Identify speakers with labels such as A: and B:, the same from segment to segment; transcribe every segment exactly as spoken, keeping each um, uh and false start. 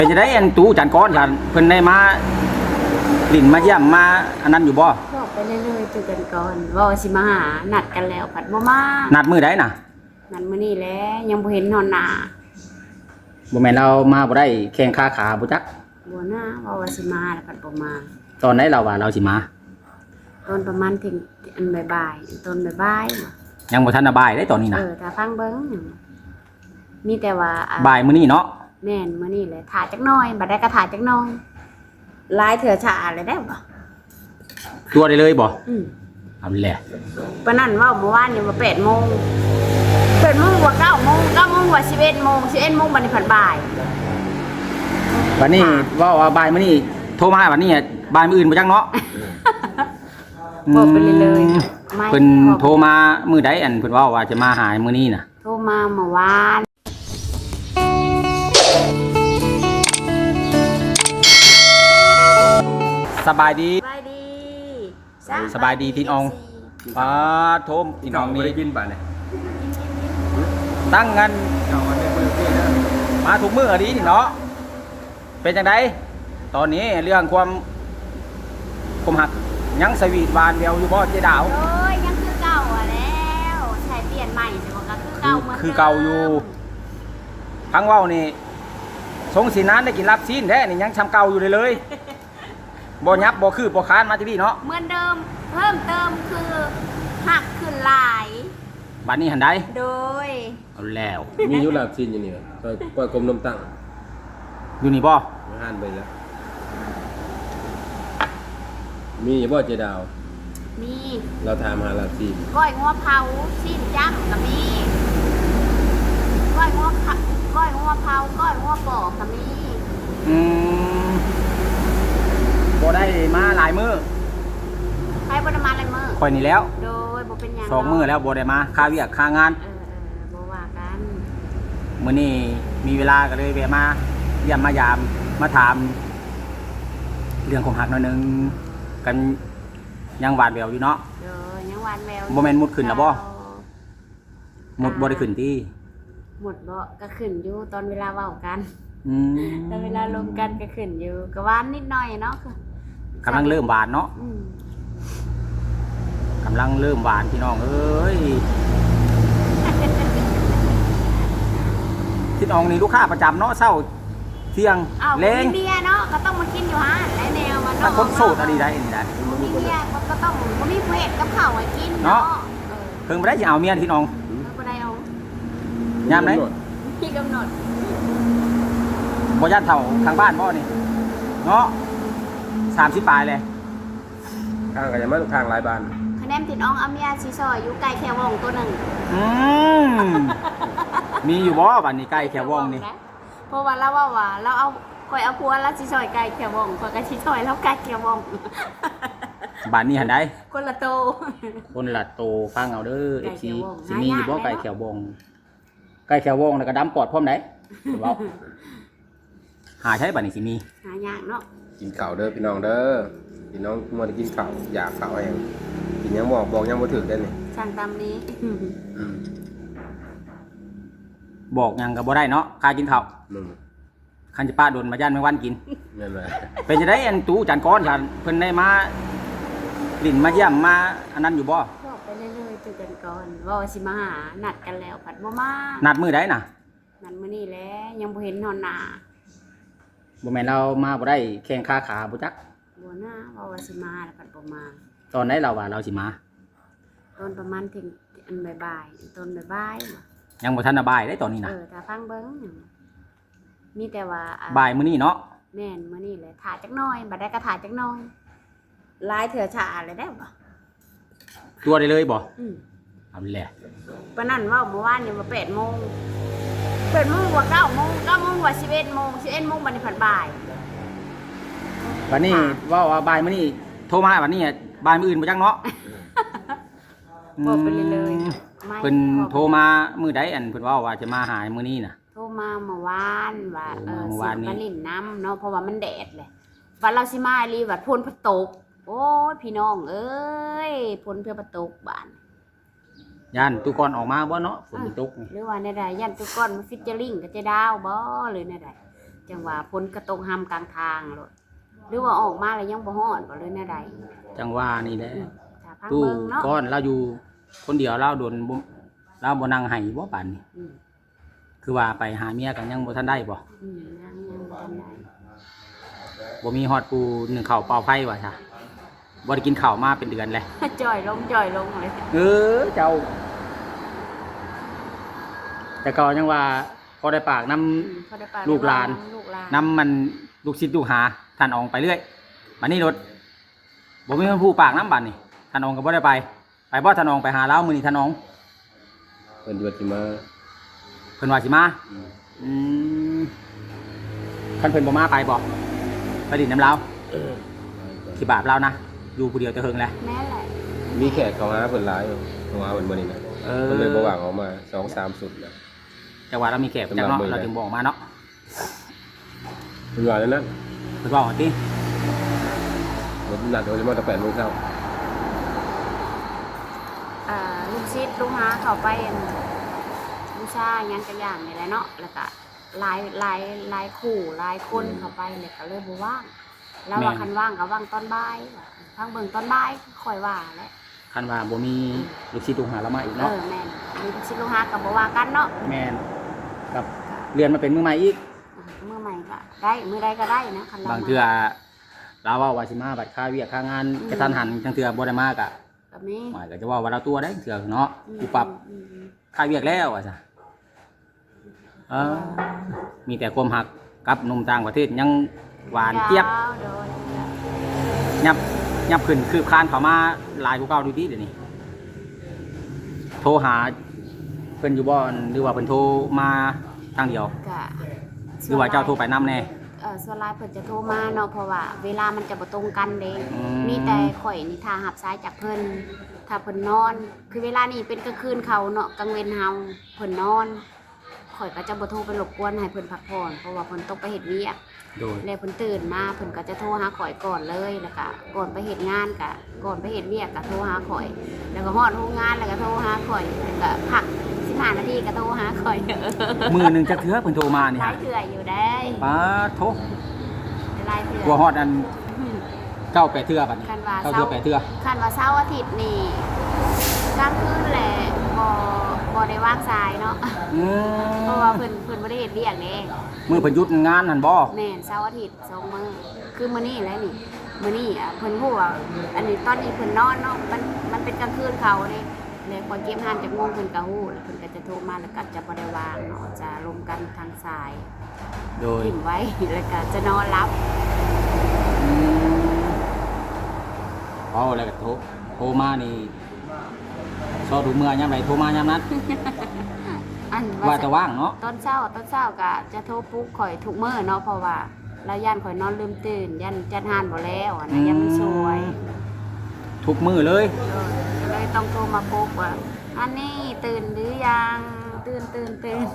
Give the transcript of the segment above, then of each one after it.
A: เป็นจะได้อันตู้จานก้อนฉันเพิ่นได้มาลิ้นมาเยี่ยมมาอันนั้นอยู่บ่
B: บอกไปเรื่อยๆตื่นกันก่อนว่าสิมาหานัดกันแล้วผัดบ่มา
A: นัดมื้อใดน่ะ
B: นัดมื้อนี้แหละยังบ่เห็นนอนหน้า
A: บ่แม่นเรามาบ่ได้แข่งขาขาบ่จัก
B: บ่นะว่าว่าสิมาแล้วผัดบ่มา
A: ตอนไหนเราว่าเราสิมา
B: ตอนประมาณถึงอันบ่ายๆตอนบ่ายๆ
A: ยังบ่ทันบ่ายได้ตอนนี้นะ
B: เออถ้าฟังเบิ่งมีแต่ว่า
A: บ่ายมื้อนี้เนาะ
B: แม่นมื้อนี้แหละถ่าจักหน่อยบัดได้ก็ถ่าจักหน่อยลายเถื่อฉาเลยได้บ่
A: ตัวได้เลยบ่
B: อืม
A: เอาแหละ
B: ปานนั้นเว้าเมื่อวานนี่ว่าแปดโมงแปดโมงกว่าเก้าโมงเก้าโมงกว่าสิบเอ็ดโมงสิบเอ็ดโมงบัดนี้ผัดบ่าย
A: บัดนี้ว่าว่าบ่ายมื้อนี้โทรมาบัดนี้บ่ายมื้ออื่นบ่จักเนาะ
B: บอกไปเลยๆ
A: เพิ่นโทรมามื้อใดอันเพิ่นว่าว่าจะมาหามื้อนี้น่ะ
B: โทรมาเมื่อวาน
A: สบายดี
B: สบายดี
A: สบายดีพี่น้องป้าโทมพี่น้องนี่
C: ได้กินป่ะเนี่ย
A: ตั้งกันมาทุกมื้อดีนี่เนาะเป็นจังไดตอนนี้เรื่องความคมหักยังสวีทหวานแววอยู่บ่เจ๊ดาว
B: โอ้ยยังคือเก่าอ่ะแล้วใช้เปลี่ยนใหม่ใช่บ่ก็คือเก่าเหมือน
A: คือเก่าอยู่พังเว้านี่สงสีนานได้กินลาบซีนแท้นี่ยังชำเก่าอยู่เลยเลยบ่ยับบ่คือบ่ค้านมาที่นี่เนาะ
B: เหมือนเดิมเพิ่มเติมคือหักขึ้นหลาย
A: บัดนี้หันได้
B: โดย
A: เอาแล้ว
C: มียุลาบซีนอยู่นี่ปล่อยกลมนมตั้ง
A: อยู่นี่บ่
C: ไม่หันไปแล้วมีบ่เจดาว
B: มี
C: เราถามหาลาบซีน
B: ก้อยงัวเผาซีนจ้ำก็มีก้อยงัวก้อยงัวเผาก้อยงัวปอกก็มี
A: อืมบ่ได้มาหลายมื้อ
B: ใครบ่ได้มาหลายมื้อ
A: ข่อยนี่แล้ว
B: โดยบ่เป็นหยัง
A: สองมื้อแล้วบ่ได้มาค่าเวียกค่างาน
B: เออๆบ่ว่ากัน
A: มื้อนี้มีเวลาก็เลยแวะมาเยี่ยมมายามมาถามเรื่องของหักหน่อยนึงกันยังหวานแววอยู่เนาะ
B: เออยังหวานแวว
A: บ่แม่นมุดขึ้นแล้วบ่มุดบ่ได้ขึ้นติ
B: หมดบ่ก็ขึ้นอยู่ตอนเวลาเว้ากัน
A: อืม
B: ตอนเวลาลงกันก็ขึ้นอยู่ก็หวานนิดหน่อยเนาะ
A: กำลังเริ่มหวานเนาะกำลังเริ่มหวานพี่น้องเอ้ยพี่น้องนี่ลูกค้าประจำเนาะเช้าเที่ยง
B: เล้งเบียร์เนาะก็ต้องมากินอยู่ฮะและแนวมัน
A: ถ้าคนโสดอะไรได้นี่ได้
B: มีเบียร์ก็ต้องมีเพจกับข้าวให้กินเนาะ
A: เพิ่งบ่ได้สิเอาเมียพี่น้อง
B: บ่ได้เอา
A: ยามไหน
B: พี่กำหนด
A: บ่ญาติเฒ่าทางบ้านบ่นี่เนาะสามสิบปลายเลย
C: ข้างกันยังมาข้างหลายบ้าน
B: คะแนนติดน้องอาเมียซีซอยอยู่ไก่แควงตัวหนึ่ง
A: อืมมีอยู่บ่บ้านนี้ไก่แควงนี่
B: เพราะว่าเราว่าว่าเราเอาคอยเอาพัวแล้วซีซอยไก่แควงคอยกับซีซอยแล้วไก่แควง
A: บ้านนี้หันได้
B: คนละโต
A: คนละโตฟังเอาเด้อ เอฟ ซี สิมีอยู่บ่ไก่แควงไก่แควงแล้วก็ดำปอดพร้อมได้เว้าหาใช้บ้านนี้สิมี
B: หายากเนาะ
C: กินข้าวเด้อพี่น้องเด้อพี่น้องมัวได้กินข้าวอยากข้าวเองกินยังบอกบอกยังบ่ถึกได้นี่
B: สั่งตามนี้
A: บอกยังก็บ่ได้เนาะค่ากินข้าวคันจะป้าโดนมาย่านแมงวันกิน
C: นั่นแหละ
A: เป็นจะได้อันตู้จานก้อนฉันเพิ่นได้มาลิ้นมาเยี่ยมมาอันนั้นอยู่บ่
B: บอกไปเรื่อยๆตื่นกันก่อนว่าสิมาหานัดกันแล้วผัดบ่มา
A: นัดมื้อใดน่ะ
B: นัดมื้อนี้แหละยังบ่เห็นนอนหน้า
A: บ่แม่นเรามาบ่ได้แข่งขาขาบ่จัก
B: บ่นะว่าว่าสิมาแล้วผัดบ่มา
A: ตอนไหนเราว่าเราสิมา
B: ตอนประมาณถึงอันบ่ายๆตอนบ่าย
A: ๆยังบ่ทันบ่ายได้ตอนนี้นะ
B: เออถ้าฟังเบิ่งมีแต่ว่า
A: บ่ายมื้อนี้เนาะ
B: แม่นมื้อนี้แหละถ่าจักหน่อยบัดได้ก็ถ่าจักหน่อยลายเถื่อฉาเลยได้บ่
A: ตัวได้เลยบ่
B: อืม
A: เอาแหละ
B: ปานนั้นเว้าเมื่อวานนี่ว่าแปดโมงแปดโมงกว่าเก้าโมงเก้าโมงกว่าสิบเอ็ดโมงสิบเอ็ดโมงบัดนี้ผัดบ่าย
A: บัดนี้ว่าว่าบ่ายมื้อนี้โทรมาบัดนี้บ่ายมื้ออื่นบ่จักเนาะ
B: บอกไปเลย
A: ๆเพิ่นโทรมามื้อใดอันเพิ่นว่าว่าจะมาหามื้อนี้น่ะ
B: โทรมาเมื่อวานว่าเออสิมาลิ้นน้ำเนาะเพราะว่ามันแดดเลยว่าเราสิมาอีหลีว่าฝนพัดตกโอ้ยพี่น้องเอ้ยฝนเพื่อพัดตกบ้าน
A: ย่านตุกอนออกมาบ่เนาะฝนตก
B: หรือว่าในใดย่านตุกอนมาฟิชเจอริ่งกับเจดาวบ่หรือในใด จจังว่าพ้นกระตกห้ำกลางทางโลดหรือว่าออกมาแล้วยังบ่ฮอดบ่เลยแน่ใด
A: จังว่านี่แหละ
B: ถ้าพัง
A: ตู้
B: เบิ่งเนาะ
A: ก้อนเราอยู่คนเดียวเราโดนบ่เราบ่นั่งให้บ่ปานนี้
B: อืม
A: คือว่าไปหาเมียกันยังบ่ทันได้บ่
B: อืมยังยังบ่ทันได้
A: บ่มีฮอดปูหนึ่งข้าวเป่าไฟว่าซะบ่ได้กินข้าวมาเป็นเดือนแล้ว
B: จ่อยลงจ่อยลงเลย
A: เออเจ้า แต่ก็ยังว่าพอได้ปากน้
B: อืมพอได้ป
A: ลูกหลาน
B: ลูกหลาน
A: ำน้ำมันลูกศิษย์ลูกหาท่านอองไปเรื่อยบัดนี้รถบ่มีคนผู้ปากน้ำบัดนี่ท่านอองก็บ่ได้ไป ไปบ่ท่านอองไปหาเล้ามื้อนี้ท่านออง
C: เพิ่นว่าสิมา
A: เพิ่นว่าสิมาอืมคันเพิ่นบ่มาไปบ่ไปดินน้ำเล้าสิบาปเรานะอยู่ผู้เดียวแต่เฮิงแหละ
B: แม่แหละ
C: มีแขกเข้าหาเพิ่นหลายอยู่เข้าหาเพิ่นบ่นี่นะ
A: เอ
C: เพิ่นเลย
A: อ
C: บ่ว่างออกมาสองสามสุดแล้ว
A: แต่ว่าเรามีแขกจักเนาะเราจึงบอกมาเนาะ
C: เพิ่นว่าแล้วนั้น
A: เพิ่นบอกว่าติ
C: รถนัดเขาจะมาตั้งแปดโมงเช้า
B: อ่าลูกชิดลูกหาเข้าไปอันบูชาหยังกระอย่างนี่แหละเนาะแล้วก็หลายหลายหลายคู่หลายคนเข้าไปเลยก็เลยบ่ว่างแล้วว่าคันว่างก็ว่างตอนบ่ายว่าพังเบิ่งตอนบ่ายค่อยว่าแหละ
A: คันว่าบ่มีลูกศิษย์ลูกหาเรามาอีก
B: เอ
A: เนาะ
B: อแม่นมีลูกชิดลูกหาก็บ่ว่ากันเนาะ
A: แม่นกับเรียนมาเป็นมือใหม่อีก
B: มื้อใหม่ก็ได้มื้อใดก็ได้นะคันเรา
A: บางเทื่อเราว่าว่าสิมาบัดค่าเวียกค่างานกระทันหันจังเทื่อบ่ได้มากอ่ะ
B: ก็มี
A: หมายก็จะว่าว่าเราตัวได้เทื่อเนาะกูปรับ
B: อืมอืม
A: ค่าเวียกแล้วว่าซะเออมีแต่ความหักกับหนุ่มต่างประเทศยังหวานเจี๊ยบ
B: วโดย
A: ยับยับขึ้นคืบคลานเข้ามาหลายกว่าเก่าดูดีเดี๋ยวนี้โทรหาเพิ่นอยู่บ่หรือว่าเพิ่นโทรมาทางเดียว
B: ก็
A: หรือว่าเจ้าโทรไปนำแน่
B: เออส่วนหลายเพิ่นจะโทรมาเนาะเพราะว่าเวลามันจะบ่ตรงกันเด้
A: อืม
B: มีแต่ข่อยนี่ถ้ารับสายจากเพิ่นถ้าเพิ่นนอน คือเวลานี้เป็นกลางคืนเขาเนาะกลางเว้นเฮาเพิ่นนอนข่อยก็จะบ่โทรไปรบกวนให้เพิ่นพักผ่อนเพราะว่าเพิ่นต้องไปเฮ็ดเวียก
A: โดย
B: แล้วเพิ่นตื่นมาเพิ่นก็จะโทรหาข่อยก่อนเลยแล้วก็ก่อนไปเฮ็ดงานก็ก่อนไปเฮ็ดเวียกก็โทรหาข่อย แล้วก็ฮอดโรงงานแล้วก็โทรหาข่อยแล้วก็พักสิบห้านาทีก็โทรหาข่อย
A: มือหนึงจักเทื่อเพิ่นโทรมานี่
B: หลา
A: ฮะ
B: ยเทื่ออยู่ได้
A: ป้าโทร
B: หลายเทื่อ
A: กลัวฮอดอันเก้าแปดเทื่อบัดนี้
B: คันว่า
A: เก้า
B: เช้า
A: เทื่อแปดเทื่อ
B: คันว่าเช้าร์อาทิตย์นี่กลางคืนแหละบ่บ่ได้ว่างสายเนาะ
A: อืม
B: เพราะว่าเพิ่นเพิ่นบ่ได้เฮ็ดเวียกเด้
A: มือเพิ่นหยุดงานนั่นบ่
B: แม่นเช้าร์อาทิตย์สองมื้อคือมื้อนี้แหละนี่มื้อนี้อ่ะเพิ่นฮู้ว่าอันนี้ตอนนี้เพิ่นนอนเนาะมันมันเป็นกลางคืนเขาเด้แล้วพอเก็บหานจากโมงเพิ่นก็ฮู้แล้วเพิ่นก็จะโทรมาแล้วก็จะบ่ได้วางเนาะจะลงกันทางสาย
A: โดย
B: ถิ่มไว้ แล้วก็จะนอนรับ
A: อืมเอาแล้วก็โทรโทรมานี่ซอดูเมื่อยามใดโทรมายามนั้น
B: อัน
A: ว่าจะว่างเนาะ
B: ตอนเช้าตอนเช้าก็จะโทรปลุกข่อยทุกมื้อเนาะเพราะว่าแล้วย่านข่อยนอนลืมตื่นย่านจัดหานบ่แล้วอะนะยังไม่สวย
A: ทุกมือเลย
B: เออก็เลยต้องโทรมาปลุกว่าอันนี้ตื่นหรือยังตื่นตื่นตื่น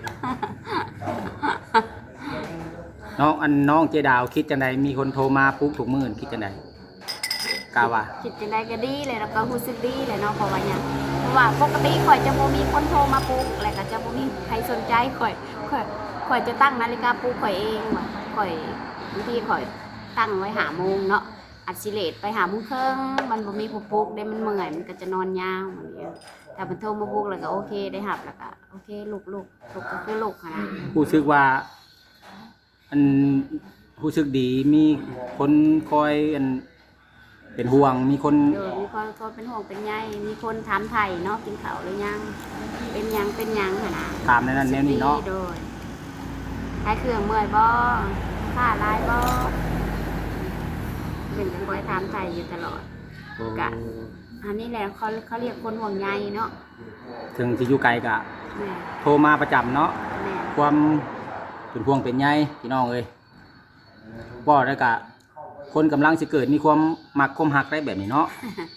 A: น้องอันน้องเจดาวคิดจังใดมีคนโทรมาปุ๊บถูกมือคิดจังใดกาว่า
B: คิดจังไดก็ดีเลยแล้วก็รู้สึกดีเลยเนาะเพราะว่าหยังเพราะว่าปกติข่อยจะบ่มีคนโทรมาปลุกแล้วก็จะบ่มีใครสนใจข่อยข่อยข่อยจะตั้งนาฬิกาปลุกข่อยเองว่าข่อยบางทีข่อยตั้งไว้หาโมงเนาะอัดสิเลตไปหาโมงครึ่งมันบ่มีผู้ปลุกได้มันเมื่อยมันก็จะนอนยาวเหมือนเงี้ยแต่มันโทรมาปลุกแล้วก็โอเคได้หับแล้วก็โอเคลุกลุกลุกก็คือลุกหั้นนะ
A: ผู้ซึกว่า อันผู้ซึกดีมีคนคอยอันเป็นห่วงมีคน
B: เดี๋ยวมีคนคนเป็นห่วงเป็นใยมีคนถามไถ่เนาะกินข้าวหรือยังเป็นหยังเป็นหยังหั้นนะ
A: ถามในนั้นแนวนี้เนาะ
B: โดยใช้เครื่องเมื่อยบ่ผ้าลายบ่เป็นจังคอยถามไถ่อยู่ตลอด กะ อันนี้แหละเขาเขาเรียกคนห่วงใยเนาะ
A: ถึงจะอยู่ไกลกะ
B: แม่
A: โทรมาประจำเนาะ
B: แม่
A: ความเป็นห่วงเป็นใยพี่น้องเอ้ยบ่ได้กะ คนกำลังสิเกิดมีความมักความหักได้แบบนี้เนาะ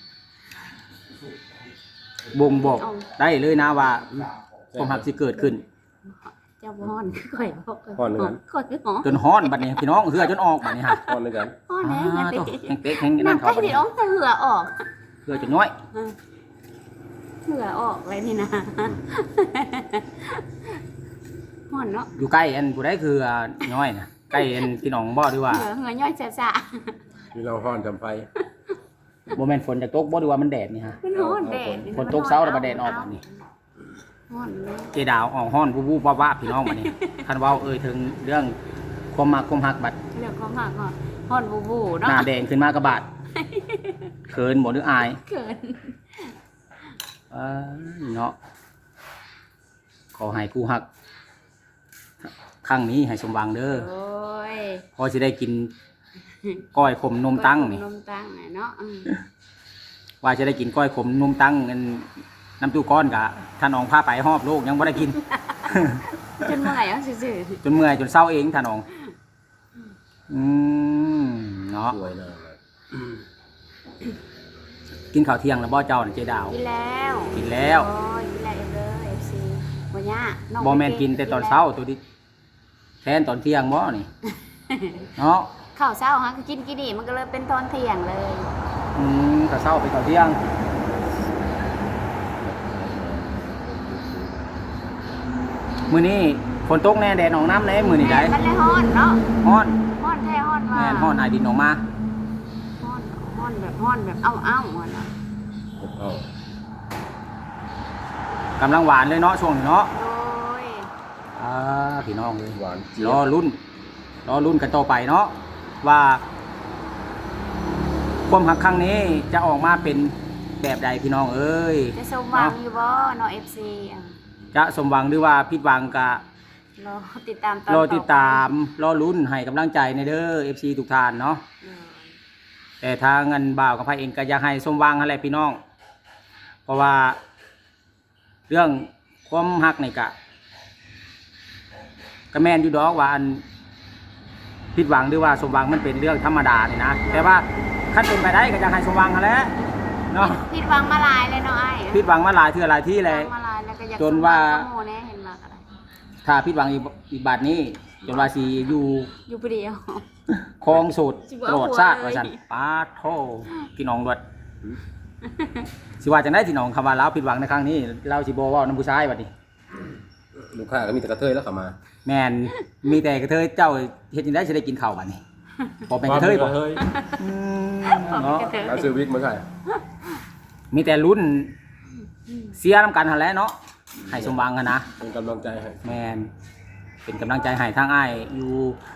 A: บ่งบอกได้เลยนะว่าความหักสิเกิดขึ้น
B: เจ้าบ่ฮ้อนคือข่อยบ่
C: ฮ้อนเหมือนกัน
B: ข่อยคือฮ้อน
A: จนฮ้อนบัดนี้พี่น้องเหือจนออกบัดนี้ฮะ
C: พอนด้วยกัน
B: ฮ้อน
A: อ่า
B: แน่
A: โต
B: ๆ
A: แห้งเป๊กแห้ง
B: นั่
A: นั่
B: น
A: น
B: ใก
A: เขา
B: ล้
A: บัด
B: สิ
A: นี้
B: ออกแต่เหงื่อออก
A: เหือจนน้อย
B: เออเหงื่อออกเลยนี่นะ ฮ้อนเนาะ
A: อยู่ใกล้อันผู้ใดคืออ่าน้อยนะใกล้อันพี่น้องบ่ดีว่า
B: เหงื่อเหงื่อย่อยจ้า
C: พี่น้องฮ้อนจำไฟ
A: บ่แม่นฝนจะตกบ่ดีว่ามันแดดนี่ฮะ
B: ๆมันร้อนแดด
A: ฝนตกเช้าแล้วมาแดดออกบัดนี้
B: ร้อนเลย
A: เจดาวออกฮ้อนวูบๆว่าๆพี่น้องบัดนี้คันเว้าเอ่ยถึงเรื่องความมักความฮักบัด
B: เรื่องความหักอ่ะร้อนบูบูเนาะ
A: หน้าแดงขึ้นมากระบาดเขินบ่หรืออาย
B: เกิน
A: เอ้ยเนาะขอให้กูฮักครั้งนี้ให้สมหวังเด้อ
B: โอ้ย
A: พอสิได้กินก้อยขมนมตั้งนี่
B: นมตั้งน่ะเนาะอืม
A: ว่าจะได้กินก้อยขมนมตั้งเงินน้ำตู้ก้อนกะท่านองพาไปหอบโลกยังไม่ได้กิน
B: จนเมื่อยอ่ะซื่อ
A: จนเมื่อยจนเศร้าเองท่านองอืมเนาะ
C: สวยนะ
A: กินข้าวเที่ยงแล้วบ่เจ้าน่ะเจดาว
B: ๆกินแล้ว
A: กินแล้ว
B: โอ้ยกินแล้วเด้อ เอฟ ซี บ่ยากน้อง
A: บ่แม่นกินแต่ตอนเช้าตัวนี้แทนตอนเที่ยงบ่นี่เนาะ
B: ข้าวเช้าฮะก็กินกี่ดีมันก็เลยเป็นตอนเที่ยงเลย
A: อืมข้าวเช้าไปข้าวเที่ยงมื้อนี้ฝนตกแน่แดดออกน้ำแน่มื้อนี้ได้
B: มันเลยฮ้อนเนาะ
A: ฮ้อน
B: ฮ้อนแท้ฮ้อนว่า
A: แม่นฮ้อนอายดินออกมา
B: ฮ้อนฮ้อนแบบฮ้อนแบบเอ้าเอ้าๆอะเนาะ
C: เอา
A: กำลังหวานเลยเนาะช่วงนี้เนาะ
B: โอ้ย
A: อ่าพี่น้องเลย
C: หวาน
A: รอรุ่นรอรุ่นกันต่อไปเนาะว่าความหักครั้งนี้จะออกมาเป็นแบบใดพี่น้องเอ้ย
B: จะสมหวังอยู่บ่เนาะ เอฟ ซี อ่ะ
A: จะสมหวังหรือว่าผิดหวังกะ
B: รอติดตามตอน
A: รอติดตาม
B: ต่อไป
A: รอรุ่นให้กำลังใจในเด้อ เอฟ ซี ทุกท่านเนาะ
B: เออ
A: แต่ทางเงินบ่าวกับพายเองก็อยากให้สมหวังอะไรพี่น้อง เพราะว่า เรื่องความหักนี่กะก็แม่นอยู่ดอกว่าอันผิดหวังหรือว่าสมหวังมันเป็นเรื่องธรรมดานี่นะแต่ว่าขั้นเป็นไปได้ก็อยากให้สมหวังกันแหล้วเนาะ
B: ผิดหวังมาหลายเลยเนาะไอ้
A: ผิดหวังมาหลายเทื่อหลายที่เลย
B: ผิดหวังมาหลายแล้วก็อยาก
A: จนว่า
B: สมหงกับหมู่แน่เห็นมากอะไร
A: ถ้าผิดหวังอีกอีกบาทนี้ จนว่าสีอยู่
B: อยู่ผู้เดียว
A: คลองสูตร
B: สิบ่
A: ต
B: เอา
A: ลอด
B: หัว
A: ชาติ
B: เลย
A: ว่าซั่นป้าโทพี่น้องดวดสิว่าจังได๋พี่น้องคำว่าเราผิดหวังในครั้งนี้เราสิบ่เว้านำผู้ชายบัดนี้
C: ลูกค้าก็มีแต่กระเทยแล้วเข้ามา
A: แม่นมีแต่กระเทยเจ้าเฮ็ดจังได๋สิได้กินข้าวบัดนี้บ่เป็นกระเทยบ่อืมเนาะ
C: เอาซื้อวิกมาใส่
A: มีแต่ลุ้นเสียนํกันหั่นแหละเนาะให้สมหวังกันนะ
C: เป็นกำลังใจให้
A: แม่นเป็นกำลังใจให้ทางอ้ายอยู่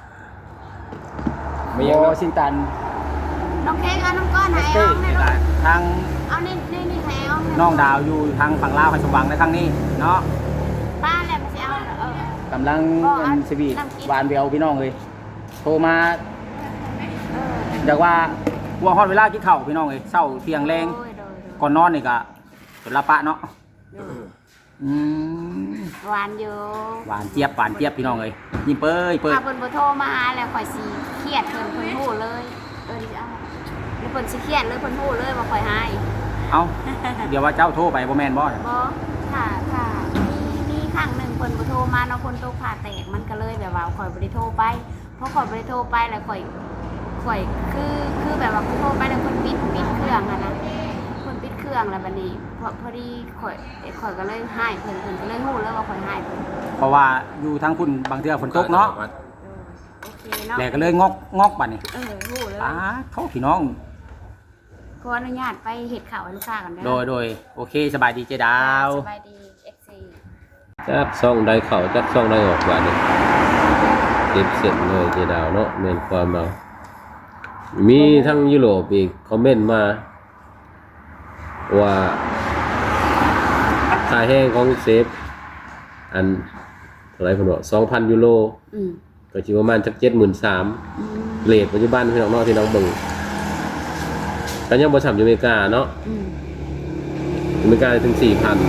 C: ไม่ยัง
A: บ่
C: เนาะ
A: สินตัน
B: น้องเค้กเอาน้องก้อนให้
A: เต้
B: เอาให้ลูก
A: ทาง
B: เอานี่นี่นี่ให้เอาให้
A: น้องดาวอยู่ทางฝั่งลาวให้สมหวังในครั้งนี้เนาะ
B: ป้าแหละมันจะเอาเออ
A: กำลัง
B: ก็อั
A: เป็น
B: น
A: สวีท
B: น้ำกิน
A: หวานเบลพี่น้องเลยโทรมา
B: เออ
A: อยากว่าวัวฮอดเวลากินข้าวพี่น้องเลยเช้าเที่ยงแรง
B: โดยโดยโดย
A: ก่อนนอนนี่ก็จนละปะเนาะ
B: โดย
A: อืม
B: หวานอยู่
A: หวานเจี๊ยบหวานเจี๊ยบพี่น้องเลยยิ้มเป้ยเป้ย
B: ถ้าเพิ่นบ่โทรมาหาแล้วข่อยสิเครียดเพิ่นเพิ่นฮู้เลยเออดิเอาแล้วเพิ่นสิเครียดเลยเพิ่นฮู้เลยว่าข่อยหาย
A: เอ้าเดี๋ยวว่าเจ้าโทรไปบ่แม่นบ่
B: บ่ค่ะค่ะมีมีครั้งหนึงเพิ่นบ่โทรมาเนาะคนโตผ่าแตกมันก็เลยแบบว่าข่อยบ่ได้โทรไปเพราะข่อยบ่ได้โทรไปแล้วข่อยข่อยคือคือแบบว่าเพิ่นโทรไปแล้วเพิ่นปิดปิดเครื่องอะนะเพิ่นปิดเครื่องแล้วบัดนี้พอพอดีข่อยข่อยก็เลยหายเพิ่นเพิ่นก็เลยฮู้เลยว่าข่อยหายเพิ่น
A: เพราะว่าอยู่ทางคุณบางเทื่อฝนตกเนาะ
B: โอเคเนาะ
A: แล้วก็เลยงอกงอกบัดนี้
B: เออฮู้เลย
A: ป้าโทษพี่น้อง
B: ขออนุญาตไปเฮ็ดข้าวให้ลูกค้ากันเด้อ
A: โดยโดยโอเคสบายดีเจดาว
B: สบายดี เอ็กซ์ ซี
C: จักซ่องได้เข้าจักซ่องได้ออกว่านี่เก็บเสร็จเลยเจดาวเนาะแม่นความเมามีทั้งยุโรปอีกคอมเมนต์มาว่าค่าแห้งของเซฟอันเท่าไหร่เพิ่นบอก สองพัน ยูโร
B: อืม
C: ก็สิประมาณจัก เจ็ดหมื่นสาม
B: อืม
C: เรทปัจจุบันพี่น้องเนาะที่น้องเบิ่งก็ยังบ่ซ้ำอยู่อเมริกาเนาะ
B: อืม
C: อเมริกาถึง สี่พัน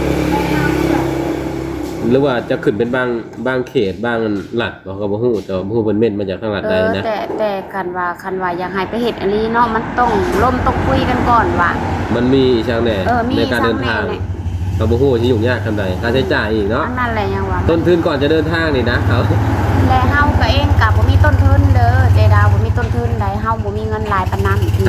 C: หรือว่าจะขึ้นเป็นบางบางเขตบางรัฐบ่ก็บ่ฮู้แต่ว่าบ่ฮู้เพิ่นเม่นมาจากทางรัฐ
B: เอ
C: ใด
B: อ
C: นะ
B: แต่แต่คันว่าคันว่าอยากให้ไปเฮ็ดอันนี้เนาะมันต้องล่มต้องคุยกันก่อนว่า
C: มันมีช่างแหน่
B: เออมี
C: ในการเดินทาง
B: ช่างแหน่
C: ก็บ่ฮู้ว่าสิยุ่งยากขนาดใดค่าใช้จ่ายอีกเนาะ
B: อันนั้นแหละยังว่า
C: ต้นทุนก่อนจะเดินทางนี่นะเขา
B: และเฮาก็เองก็บ่มีต้นทุนเด้อเจดาวบ่มีต้นทุนใดเฮาบ่มีเงินหลายปานนั้น
C: ค่า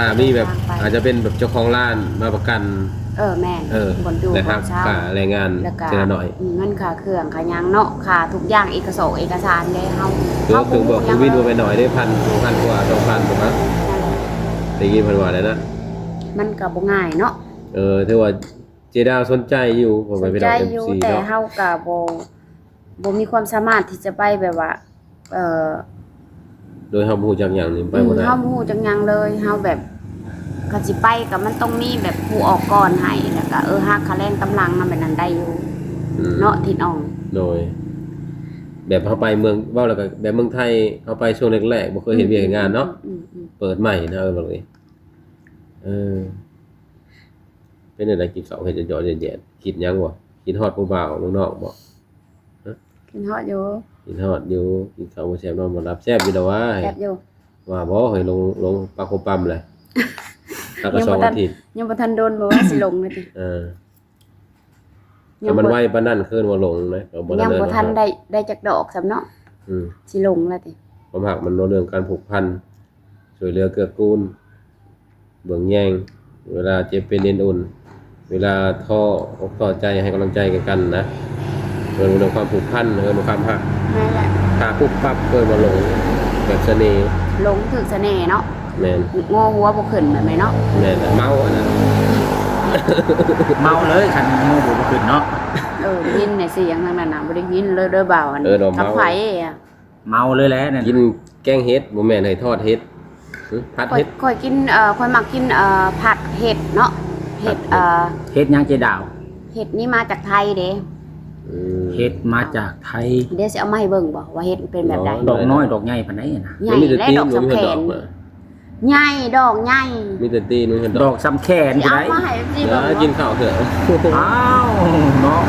C: ถ้ามีแบบอาจจะเป็นแบบเจ้าของร้านมาประกัน
B: เออแม่น
C: เออบ
B: นดู
C: นะครับ
B: นเช่า
C: ค่าแรงงาน
B: แล้วก็
C: เจละหน่อย
B: เงินค่าเครื่องค่าหยังเนาะค่าทุกอย่างเอกสารเอกสารเลยเฮา
C: คือคือบอก
B: เฮา
C: คือวิน
B: บ่
C: มาไปหน่อยได้พันพันกว่าสองพันถูกไหม
B: นั่นแหละ
C: ตีกี้พันกว่าแล้วนะ
B: มันก็บ่ง่ายเนาะ
C: เออถือว่าเจดาวสนใจอยู่ผมไปไป
B: ใจ
C: ดอกเอ็ม
B: อยู่
C: ซี
B: แต่
C: เนาะ
B: เฮาก็บ่บ่มีความสามารถที่จะไปแบบว่า เอ่อ
C: โดยเฮาบ่ฮู้จักหยังนี่ไปบ่ได้
B: เฮาบ่ฮู้จักหยังเลยเฮาแบบก็สิไปก็มันต้องมีแบบผู้ออกก่อนให้แล้วก็เออฮักคะแนนกำลังนำแบบนั้นได้อยู่
C: อืม
B: เนาะทินอ่อง
C: โดย แบบเฮาไปเมืองเว้าแล้วก็แบบเมืองไทยเฮาไปช่วงแรกๆบ่เคยเห็นเวียกเห็นงานเนาะ
B: อืมอืม
C: เปิดใหม่นะเออบอกเลยเออเป็นอะไรกินข้าวเฮ็ดจะหยอดแย่ๆคิดหยังบ่กินฮอดผู้บ่าวเมืองนอกบ่
B: กินฮอดอยู่
C: กินฮอดอยู่กินข้าวบ่แซ่บนอนบ่หลับแซ่บอยู่แล้วว่า
B: แซ่บอยู่
C: ว่าบ่ให้ลงลงปลาโคปั๊มเลยแล้วก็สองอาทิตย์
B: ยังบ่ทันโดนบ่ว่าสิลงเลยติ
C: เออแต่มันไวปานนั้นคืนบ่ลงนะก็บ่
B: ยัง
C: เดิ
B: บ่ทันได้ได้จักดอกซำเนาะ
C: อืม
B: สิลงแล้วติ
C: ความหักมันเรื่องการผูกพันช่วยเหลือเกื้อกูลเบิ่งแยงเวลาเจ็บเป็นเอ็นอุ่น เวลาท้ออกท้อใจให้กำลังใจกันนะเรื่องเรื่องความผูกพันเรื่องความหัก
B: แม่นแหละ
C: ถ้าปุ๊บปั๊บเกิดมาหลงแบบเสน่ห์
B: ลงถึกเสน่ห์เนาะ
C: แม่น
B: โง่หัวบ่ขึ้นแบบไหนเนาะ
C: แม่นเมาอันนั้น
A: เมาเลยคันโมโหบ่ขึ้นเนาะ
B: เออยินในเสียงทางนั้นน่ะบ่ได้ยินเลยเด้อบ่าวอัน
C: เออดอก
B: กับ
C: เมา
B: ไผอ่ะ
A: เมาเลยแหละนั่น
C: กินแกงเฮ็ดบ่แม่นให้ทอดเฮ็ดหึผัด
B: ค่อย
C: เฮ็ด
B: ค่อยกินเอ่อค่อยมักกินเอ่อผัดเห็ดเนาะเห็ดเอ่อ
A: เฮ็ดหยังเจดาว
B: เห็ดนี่มาจากไทยเด้
C: อืม
A: เฮ็ดมาจากไทย
B: เดี๋ยวสิเอามาให้เบิ่งบ่ว่าเห็ดมันเป็นแบบใด
A: ดอกน้อยดอกใหญ่ปานใดน่ะ
B: ใหญ่
C: มันมีแต่
B: และ
C: ตีน
B: ดอก
C: มัน
B: สำ
C: มี
B: แข
C: แต่ดอน กมา
B: ใหญ่ดอกใหญ่
C: มีแต่ตีนมันมีแต่
A: ด
C: ด
A: อ
C: อก
A: กซ้ำแขน
B: สิ
A: จะ
B: เอา
A: ได้
B: มาให้สิ
C: เดี๋
B: เบิ่
C: ยว
B: ง
C: กิน
B: บ่
C: ข้าวเถอะ
A: อ้าวเนาะ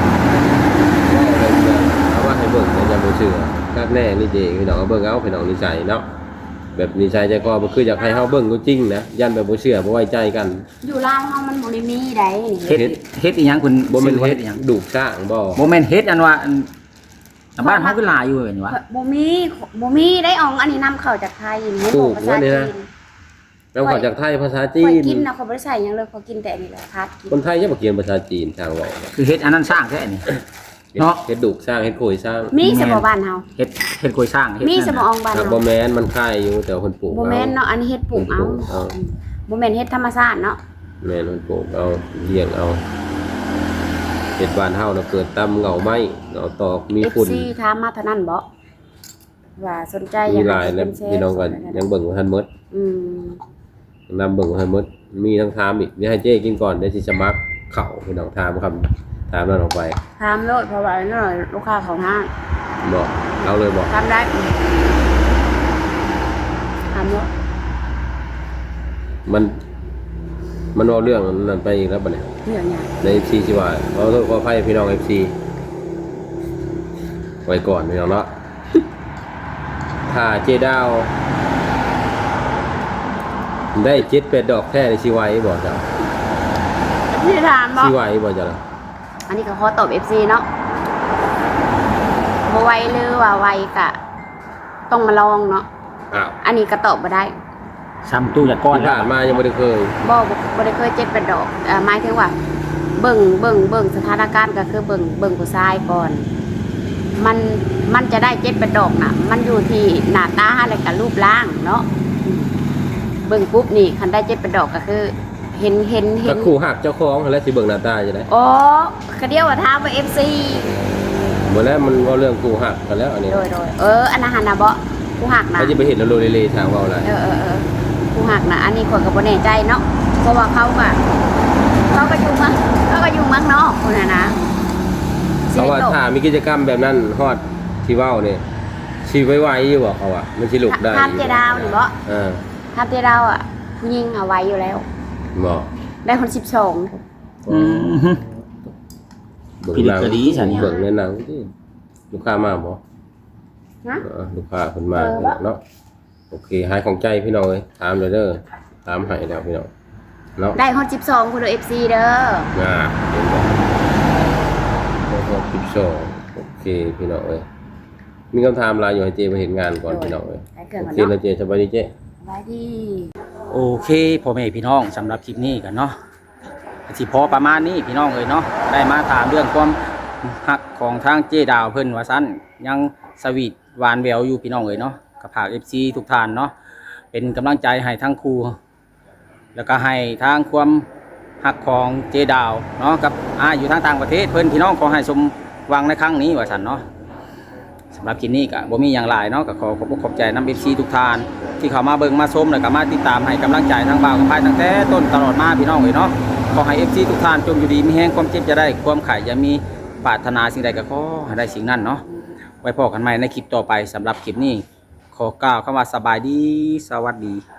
C: เอาว่าให้เบิ่งอย่าบ่เชื่อคักแน่นี่เจพี่น้องเอาเบิ่งเอาพี่น้องนิสัยเนาะแบบนิสัยใจคอบ่คืออยากให้เฮาเบิ่งก็จริงนะยันแบบบ่เชื่อบ่ไว้ใจกัน
B: อยู่ลาวเฮามันบ่ได้มีใดนี่
A: เฮ็ดเฮ็ดอีหยังคุณ
C: บ่แม่นเฮ็ด
A: อีหยัง
C: ดูกสร้างบ่
A: บ่แม่นเฮ็ดอันว่าอันอันบ้านเฮาคือหลายอยู่เห็นวะ
B: บ่มีบ่มีได้อองอันนี้นำเข้าจากไทยนี่บอกภาษาจีน
C: แล้วขอจากไทยภาษาจี
B: ข่อย
C: น
B: กินนะเขาบ่ได้ใส่หยังเลยเขากินแต่อันนี้แหละพัดกิน
C: คนไทยจะบ่เขียนภาษาจีนทางเว้า
A: คือเฮ็ดอันนั้นสร้างแท้นี่ เนาะ
C: เฮ็ดดูกสร้างเฮ็ดโขยสร้าง
B: มีสมอบ้านเฮา
A: เฮ็ดเฮ็ดกล้วยสร้างเฮ็ด
B: มีส
A: นั่น
B: มอ
A: น่ะ
B: องบ้าน
C: ครับ
B: เฮา
C: บ่แม่นมันคล้ายอยู่แต่ว่าคนปลูก
B: บ่แม่นเนาะอันนี้เฮ็ดปลูกเอา
C: เอา
B: บ่แม่นเฮ็ดธรรมชาติเนาะ
C: แม่นมันปลูกเอาเลี้ยงเอาเฮ็ดบ้านเฮาน่ะเกิดตำเหงาไม้เหงาตอกมี
B: เอฟ
C: ฝุ่น
B: ซีถามมาเท่านั้นบ่ว่าสนใจอ
C: มี
B: ยาก
C: หลายแล้วพี่น้องก็ยังเบิ่งบ่ทันหมด
B: อืม
C: นำเบิ่งบ่ทันหมดมีทั้งถามอีกเดี๋ยวให้เจ๊กินก่อนเดี๋ยวสิสมัครเข้าพี่น้องถามคำถามแล้วออกไป
B: ถามโลดเพราะว่านั่นน่ะลูกค้าของห้าง
C: บอกเอาเลยบอก
B: ถามได้ถามโลด
C: มัน มันเอาเรื่องนั้นไปอีกแล้วบัดนี้
B: เรื่องหยัง
C: ใน เอฟ ซี สิว่าขอโทษขออภัยพี่น้อง เอฟ ซี ไว้ก่อนพี่น้องเนาะ ถ้าเจดาว ได้เจ็ดเป็ดดอกแค่ในชีไว้บอกจ้ะ
B: ที่ถามบ่
C: ชีไว้บอกจ้ะ
B: อันนี้ก็ขอตอบ เอฟ ซี เนาะบ่ไวหรือว่าไวกะ ต้องมาลองเนาะ
C: อ้าว
B: อันนี้ก็ตอบบ่ได้
A: ซ้ำตู้ยาก้อน
C: ที่
A: แล้ว
C: ผ่านมายังไม่ได้เคย
B: บ่บ่บ่ได้เคยเจ็ดเป็นดอกเอ่อหมายถึงว่า เบิ่งเบิ่งเบิ่งสถานการณ์ก็คือเบิ่งเบิ่งผู้ชายก่อน มันมันจะได้เจ็ดเป็นดอกน่ะ มันอยู่ที่หน้าตาและก็รูปร่างเนาะอืมเบิ่งปุ๊บนี่คันได้เจ็ดเป็นดอกก็คือ เห็นเห็นเห็
C: ถ้าน คู่หักเจ้าของแล้วสิเบิ่งหน้าตาจะได้
B: อ๋อคือเดียวว่าถามว่า เอฟ ซี
C: หมดแล้วมันเอาเรื่องคู่หักกันแล้วอันนี้
B: โดยโดยเอออันนั้นหั่นน่ะบ่ผู้หักน่ะ
C: เขาจะไปเห็นแล้วโลเลเลทางเว่าอะไร
B: เออเออเออผู้หักน่ะอันนี้ข่อยก็บ่แน่ใจเนาะเพราะว่าเขาก็เขาก็อยู่เมืองเขาก็อยู่เมืองนอกพุ่นน่ะนะ
C: เพราะว่าถ้ามีกิจกรรมแบบนั้นฮอดที่เว้าเนี่ยชีไว้ไว้อยู่บ่เขาอ่ะมันสิลุกได้
B: ทำเจดาวนี่บ่
C: เออ
B: ทำเจดาวอ่ะผู้หญิงเอาไว้อยู่แล้ว
C: บ่
B: ได้คนสิบสอง
A: อืมฮึ
C: เบิ่ง
A: พิ
C: ห
A: ลึ
C: นั
A: ก
C: ง
A: กะดีฉันเนี่ย
C: เบิ่งในหนังที่ลูกค้ามาบ่
B: นะ
C: เออลูกค้าเพิ่นมาเนาะโอเคหายของใจพี่น้องเอ้ยถามเลยเด้อถามให้แล้วพี่น้องเนาะ
B: ได้คนสิบสองคุณดูเอฟซีเด้อ
C: อ่าเห็นบ่แล้วก็สิบสองโอเคพี่น้องเอ้ยมีคำถามหลายอยู่ให้เจมาเห็นงานก่อนพี่น้องเอ้ย
B: ได้เครื่อง
C: โอ
B: ก่อน
C: เค
B: เนาะ
C: แล้วเจสบายดีเจ
B: ไว้ดี
A: โอเคพ่อแม่พี่น้องสำหรับคลิปนี้กันเนาะสิพอประมาณนี้พี่น้องเอ้ยเนาะได้มาถามเรื่องความฮักของทางเจดาวเพิ่นว่าซั่นยังสวีทหวานแววอยู่พี่น้องเอ้ยเนาะกับภาค เอฟ ซี ทุกท่านเนาะเป็นกำลังใจให้ทั้งครูแล้วก็ให้ทางความฮักของเจดาวเนาะกับอาอยู่ทางต่างประเทศเพิ่นพี่น้องขอให้สมหวังในครั้งนี้ว่าซั่นเนาะสำหรับคลิปนี้ก็บ่มีอย่างหลายเนาะก็ขอขอบอกขอบใจนำ เอฟ ซี ทุกท่านที่เข้ามาเบิ่งมาชมแล้วก็มาติดตามให้กำลังใจทางบ่าวกับพายตั้งแต่ต้นตลอดมาพี่น้องเอ้ยเนาะขอให้ เอฟ ซี ทุกท่านจงอยู่ดีมีแรงความเจ็บจะได้ความไข่อย่ามีปรารถนาสิ่งใดก็ขอให้ได้สิ่งนั้นเนาะไว้พบกันใหม่ในคลิปต่อไปสำหรับคลิปนี้ขอกล่าวคำว่าสบายดีสวัสดี